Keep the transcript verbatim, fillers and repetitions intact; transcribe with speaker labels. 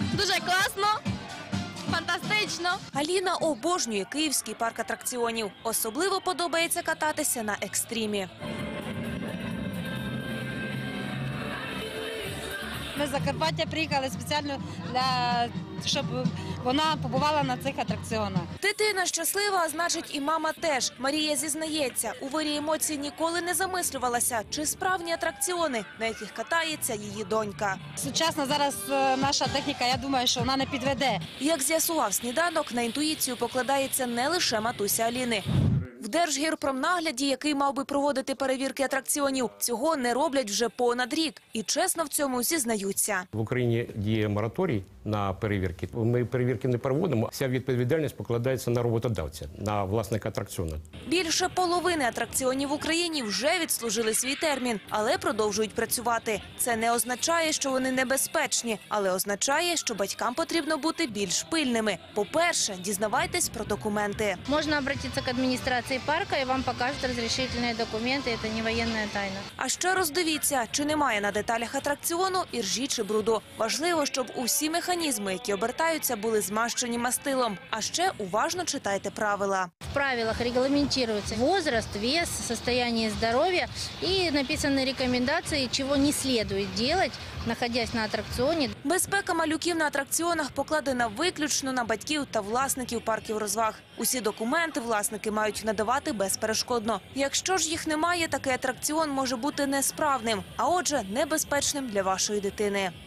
Speaker 1: Дуже класно, фантастично.
Speaker 2: Аліна обожнює київський парк атракціонів. Особливо подобається кататися на екстримі.
Speaker 3: Ми з Закарпаття приїхали спеціально, для, щоб вона побувала на цих атракціонах.
Speaker 2: Дитина щаслива, а значить і мама теж. Марія зізнається, у вирі емоцій ніколи не замислювалася, чи справні атракціони, на яких катається її донька.
Speaker 3: Сучасна зараз е, наша техніка, я думаю, що вона не підведе.
Speaker 2: Як з'ясував сніданок, на інтуїцію покладається не лише матуся Аліни. В Держгірпромнагляді, який мав би проводити перевірки атракціонів, цього не роблять вже понад рік. І чесно в цьому зізнаються.
Speaker 4: В Україні діє мораторій на перевірки. Ми перевірки не проводимо. Вся відповідальність покладається на роботодавця, на власника атракціону.
Speaker 2: Більше половини атракціонів в Україні вже відслужили свій термін, але продовжують працювати. Це не означає, що вони небезпечні, але означає, що батькам потрібно бути більш пильними. По-перше, дізнавайтесь про документи.
Speaker 5: Можно обратиться к администрации парка, и вам покажут разрешительные документы. Это не военная тайна.
Speaker 2: А ще роздивіться, чи немає на деталях атракціону іржі чи бруду. Важливо, щоб усі механізми, які обертаються, були змащені мастилом. А ще уважно читайте правила.
Speaker 5: В правилах регламентируется возраст, вес, состояние здоровья и написаны рекомендации, чего не следует делать, находясь на аттракционе.
Speaker 2: Безпека малюків на атракціонах покладена виключно на батьків та власників парків розваг. Усі документи власники мають надавати безперешкодно. Якщо ж їх немає, такий атракціон може бути несправним, а отже, небезпечним для вашої дитини.